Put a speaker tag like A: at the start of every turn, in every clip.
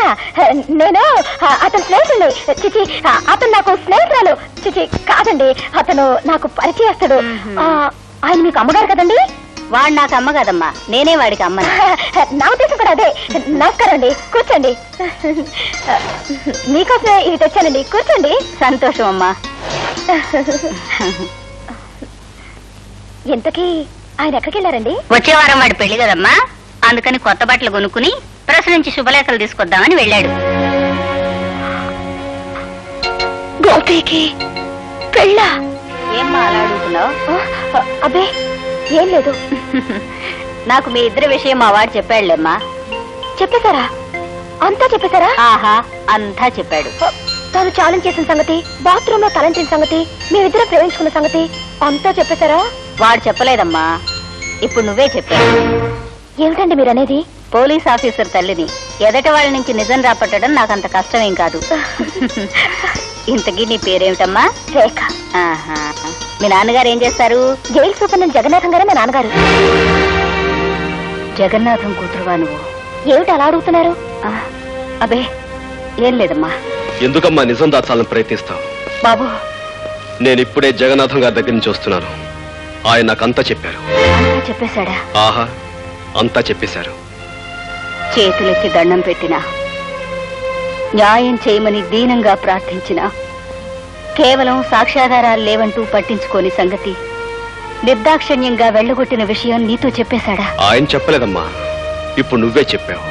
A: నేను అతని స్నేహితుడిని. చిచి, అతను నాకు స్నేహితురాలు. చిచి కాదండి, అతను నాకు పరిచయస్తుడు. ఆయన మీకు అమ్మగారు కదండి?
B: వాడు నాకు అమ్మ కదమ్మా, నేనే వాడికి అమ్మ.
A: నా ఉద్దేశం కూడా అదే. నమస్కారం అండి, కూర్చోండి. మీకోసమే ఇది తెచ్చానండి, కూర్చోండి.
B: సంతోషం అమ్మా.
A: ఇంతకీ ఆయన ఎక్కడికి వెళ్ళారండి?
B: వచ్చే వారం వాడి పెళ్లి కదమ్మా, అందుకని కొత్త బట్టలు కొనుక్కుని ప్రెస్ నుంచి శుభలేఖలు తీసుకొద్దామని వెళ్ళాడు.
A: గోపికి పెళ్ళా?
B: ఏమ్మా అలా అడుగుతున్నావు?
A: అబ్బే ఏం లేదు.
B: నాకు మీ ఇద్దరి విషయం మా వాడు చెప్పాడులేమ్మా.
A: చెప్పేశారా? అంతా చెప్పేశారా?
B: ఆహా, అంతా చెప్పాడు.
A: తాను ఛాలెంజ్ చేసిన సంగతి, బాత్రూమ్ లో తలంచిన సంగతి, మేమిద్దరం ప్రేమించుకున్న సంగతి అంతా చెప్పేశారా?
B: వాడు చెప్పలేదమ్మా, ఇప్పుడు నువ్వే చెప్పావు.
A: ఏమిటండి మీరు అనేది?
B: పోలీస్ ఆఫీసర్ తల్లిని ఎదట వాళ్ళ నుంచి నిజం రాపట్టడం నాకంత కష్టమేం కాదు. ఇంతకీ నీ పేరేమిటమ్మా?
A: రేఖ.
B: ఆహా, మీ నాన్నగారు ఏం చేస్తారు?
A: జైలు సూపరింటెండెంట్ జగన్నాథం గారే మా నాన్నగారు.
B: జగన్నాథం కూతురువా నువ్వు?
A: ఏమిటి అలా అడుగుతున్నారు?
B: అబే ఏం లేదమ్మా.
C: ఎందుకమ్మా నిజం దాచాలని ప్రయత్నిస్తావు?
B: బాబు,
C: నేను ఇప్పుడే జగన్నాథం గారి దగ్గర నుంచి వస్తున్నాను. ఆయన నాకంతా చెప్పారు.
B: అంతా చెప్పేశాడా?
C: ఆహా, అంతా చెప్పేశారు.
B: చేతులెత్తి దండం పెట్టినా, న్యాయం చేయమని దీనంగా ప్రార్థించిన, కేవలం సాక్ష్యాధారాలు లేవంటూ పట్టించుకోని సంగతి నిర్దాక్షిణ్యంగా వెళ్లగొట్టిన విషయం నీతో చెప్పేశాడా?
C: ఆయన చెప్పలేదమ్మా, ఇప్పుడు నువ్వే చెప్పావు.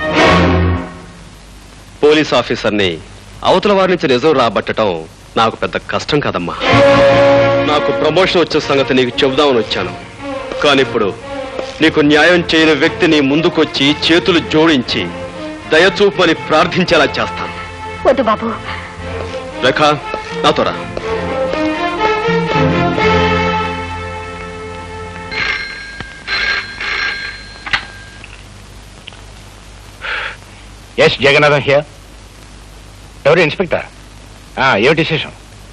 C: పోలీస్ ఆఫీసర్ని అవతల వారి నుంచి నిజం రాబట్టడం నాకు పెద్ద కష్టం కాదమ్మా. నాకు ప్రమోషన్ వచ్చే సంగతి నీకు చెబుదామని వచ్చాను. కానీ ఇప్పుడు నీకు న్యాయం చేయని వ్యక్తిని ముందుకొచ్చి చేతులు జోడించి దయచూపని ప్రార్థించేలా చేస్తాను.
A: వద్దు బాబు.
C: రేఖ, నాతో రా.
D: Yes Jagannatham here. ఎవరు? ఇన్స్పెక్టర్. ఏమిటి విశేషం?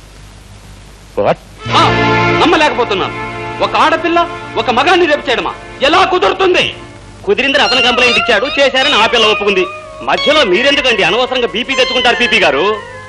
E: నమ్మలేకపోతున్నాను. ఒక ఆడపిల్ల ఒక మగాన్ని రేపు చేయడమా? ఎలా కుదురుతుంది? కుదిరిందని అతను కంప్లైంట్ ఇచ్చాడు, చేశారని ఆ పిల్ల ఒప్పుకుంది. మధ్యలో మీరెందుకండి అనవసరంగా బీపీ తెచ్చుకుంటారు? పీపీ గారు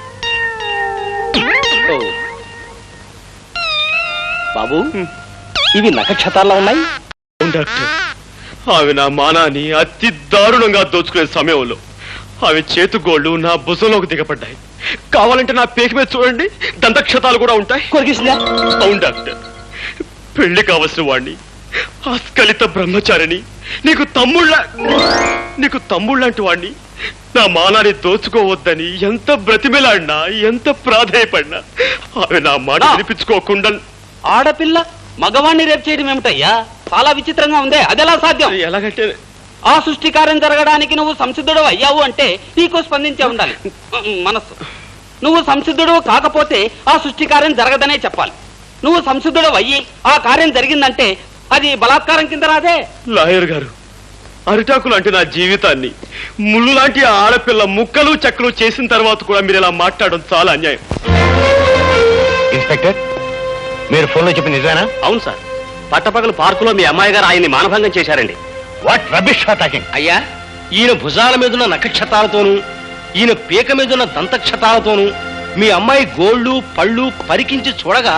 E: బాబు, ఇవి నక్షత్రాల్లో ఉన్నాయి.
C: డాక్టర్, ఆమె నా మానాన్ని అతి దారుణంగా దోచుకునే సమయంలో ఆమె చేతుగోళ్లు నా భుజంలోకి దిగబడ్డాయి. కావాలంటే నా పేక మీద చూడండి, దంతక్షతాలు కూడా ఉంటాయి. అవును డాక్టర్, పెళ్లి కావలసిన వాణ్ణి, ఆస్కలిత బ్రహ్మచారిని, నీకు తమ్ముళ్ళంటి వాణ్ణి నా మానాన్ని దోచుకోవద్దని ఎంత బ్రతిమిలాడినా, ఎంత ప్రాధేయపడినా ఆమె నా మాట వినిపించుకోకుండా.
E: ఆడపిల్ల మగవాణ్ణి రేపు చేయడం ఏమిటయ్యా? చాలా విచిత్రంగా ఉందే. అదెలా సాధ్యం?
C: ఎలాగంటే
E: ఆ సృష్టి కార్యం జరగడానికి నువ్వు సంసిద్ధుడు అయ్యావు అంటే నీకు స్పందించే ఉండాలి మనస్సు. నువ్వు సంసిద్ధుడు కాకపోతే ఆ సృష్టి కార్యం జరగదనే చెప్పాలి. నువ్వు సంసిద్ధుడు అయ్యి ఆ కార్యం జరిగిందంటే అది బలాత్కారం కింద రాదే.
C: లాయర్ గారు, అరిటాకులు అంటే నా జీవితాన్ని ముళ్ళు లాంటి ఆడపిల్ల ముక్కలు చెక్కలు చేసిన తర్వాత కూడా మీరు ఇలా మాట్లాడడం చాలా అన్యాయం.
D: ఇన్స్పెక్టర్, మీరు ఫోన్లో చెప్పి నిజానా?
E: అవును సార్, పట్టపగలు పార్కులో మీ అమ్మాయి గారు ఆయన్ని మానభంగం చేశారండి.
D: What rubbish talking?
E: అయ్యా, ఈయన భుజాల మీదున్న నక్షత్రాలతోనూ ఈయన పీక మీదున్న దంతక్షతాలతోనూ మీ అమ్మాయి గోళ్లు పళ్ళు పరికించి చూడగా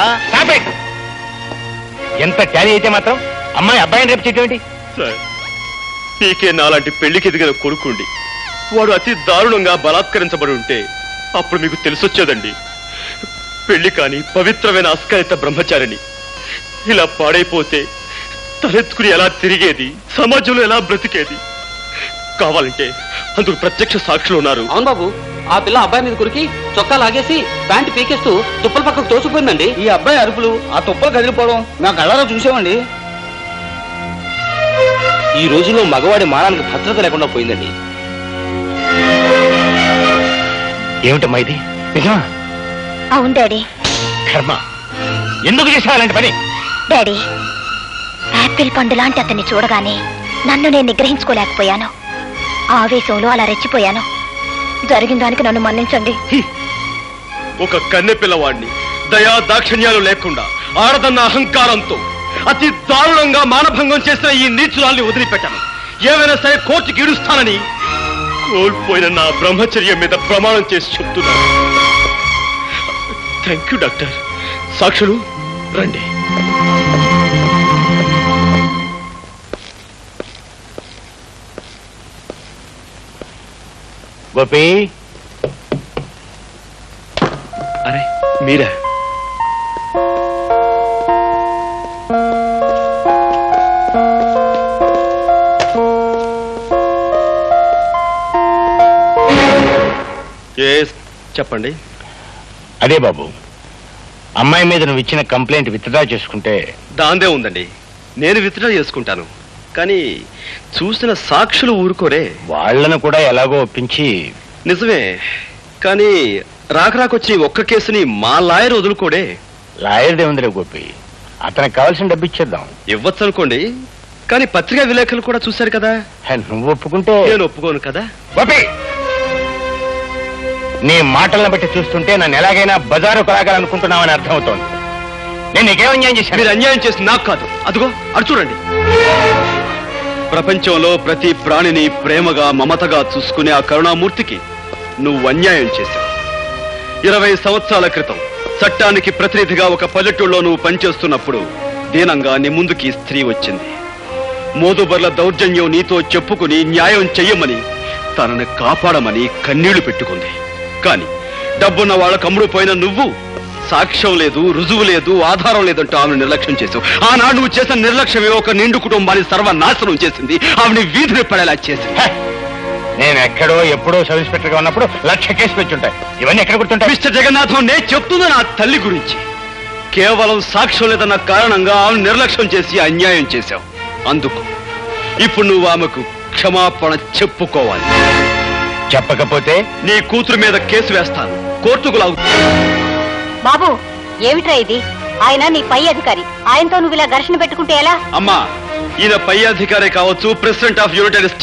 D: ఎంత ట్యాలీ అయితే మాత్రం అమ్మాయి అబ్బాయిని రేపు చేయటం ఏంటి?
C: సార్, పీకే నాలాంటి పెళ్లికి ఎదిగిన కొడుకుండి వాడు అతి దారుణంగా బలాత్కరించబడి ఉంటే అప్పుడు మీకు తెలిసొచ్చేదండి. పెళ్లి కాని పవిత్రమైన అస్కలిత బ్రహ్మచారిని ఇలా పాడైపోతే తలెత్తుకుని ఎలా తిరిగేది, సమాజంలో ఎలా బ్రతికేది? కావాలంటే అందుకు ప్రత్యక్ష సాక్షులు ఉన్నారు.
E: అవును బాబు, ఆ పిల్ల అబ్బాయి మీద కురికి చొక్కా లాగేసి ప్యాంటు పీకేస్తూ తుప్పల పక్కకు తోసిపోయిందండి.
F: ఈ అబ్బాయి అరుపులు, ఆ తుప్పలు కదిలిపోవడం నా కళ్ళలో చూసామండి.
E: ఈ రోజుల్లో మగవాడి మానానికి భద్రత లేకుండా పోయిందండి.
D: ఏమిటమ్మా ఇది? నిజమా?
A: అవును డాడీ.
D: కర్మ, ఎందుకు చేసావు అలాంటి పని?
A: డాడీ, యాపిల్ పండు లాంటి అతన్ని చూడగానే నన్ను నేను నిగ్రహించుకోలేకపోయాను. ఆవేశంలో అలా రెచ్చిపోయాను. జరిగిన దానికి నన్ను మన్నించండి.
C: ఒక కన్నె పిల్లవాడిని దయా దాక్షిణ్యాలు లేకుండా ఆడదన్న అహంకారంతో అతి దారుణంగా మానభంగం చేసిన ఈ నీచురాల్ని వదిలిపెట్టాను. ఏమైనా సరే కోర్టుకి ఇడుస్తానని కోల్పోయిన నా బ్రహ్మచర్యం మీద ప్రమాణం చేసి చెప్తున్నాను. Thank you doctor. సాక్షులు రండి.
D: గోపి,
C: అరే మీరా? చెప్పండి.
D: అదే బాబు, అమ్మాయి మీద నువ్వు ఇచ్చిన కంప్లైంట్ విత్డ్రా చేసుకుంటే.
C: దాందే ఉందండి, నేను విత్డ్రా చేసుకుంటాను. కానీ చూసిన సాక్షులు ఊరుకోరే.
D: వాళ్ళను కూడా ఎలాగో ఒప్పించి.
C: నిజమే, కానీ రాకరాకొచ్చి ఒక్క కేసుని మా లాయర్ వదులుకోడే.
D: లాయర్దే ఉందిరే గోపి, అతనికి కావాల్సిన డబ్బు ఇచ్చేద్దాం.
C: ఇవ్వచ్చు అనుకోండి, కానీ పత్రికా విలేకరులు కూడా చూశారు కదా.
D: నువ్వు ఒప్పుకుంటే.
C: నేను ఒప్పుకోను కదా.
D: గోపి, నీ మాటలను బట్టి చూస్తుంటే నన్ను ఎలాగైనా బజారు కొలాగాలనుకుంటున్నావని అర్థమవుతోంది. నేను నీకేం అన్యాయం చేశాను?
C: మీరు అన్యాయం చేసి నాకు కాదు, అదిగో అడు చూడండి. ప్రపంచంలో ప్రతి ప్రాణిని ప్రేమగా మమతగా చూసుకునే ఆ కరుణామూర్తికి నువ్వు అన్యాయం చేశావు. 20 సంవత్సరాల క్రితం చట్టానికి ప్రతినిధిగా ఒక పల్లెటూళ్ళలో నువ్వు పనిచేస్తున్నప్పుడు దీనంగా నీ ముందుకి స్త్రీ వచ్చింది. మోదుబర్ల దౌర్జన్యం నీతో చెప్పుకుని న్యాయం చెయ్యమని, తనని కాపాడమని కన్నీళ్లు పెట్టుకుంది. కాని డబ్బున్న వాళ్ళకు అమ్ముడుపోయిన నువ్వు సాక్ష్యం లేదు, రుజువు లేదు, ఆధారం లేదంటూ ఆమెను నిర్లక్ష్యం చేసావు. ఆనాడు నువ్వు చేసిన నిర్లక్ష్యమే ఒక నిండు కుటుంబాన్ని సర్వనాశనం చేసింది. ఆమెని వీధిని పడేలా చేసింది.
D: నేను ఎక్కడో ఎప్పుడో సబ్ ఇన్స్పెక్టర్ గా ఉన్నప్పుడు 1,00,000 కేసులు వచ్చుంటాయి. ఇవన్నీ ఎక్కడ గుర్తుంటాయి?
C: మిస్టర్ జగన్నాథం, నేను చెప్తున్నా నా తల్లి గురించి. కేవలం సాక్ష్యం లేదన్న కారణంగా ఆమెను నిర్లక్ష్యం చేసి అన్యాయం చేశావు. అందుకు ఇప్పుడు నువ్వు ఆమెకు క్షమాపణ చెప్పుకోవాలి.
D: చెప్పకపోతే
C: నీ కూతురు మీద కేసు వేస్తాను, కోర్టుకు లాగుతాను.
B: బాబు, ఏమిట్రా ఇది? ఆయన నీ పై అధికారి, ఆయనతో నువ్వు ఇలా ఘర్షణ పెట్టుకుంటే ఎలా?
C: అమ్మా, ఈయన పై అధికారే కావచ్చు, ప్రెసిడెంట్ ఆఫ్ యునైటెడ్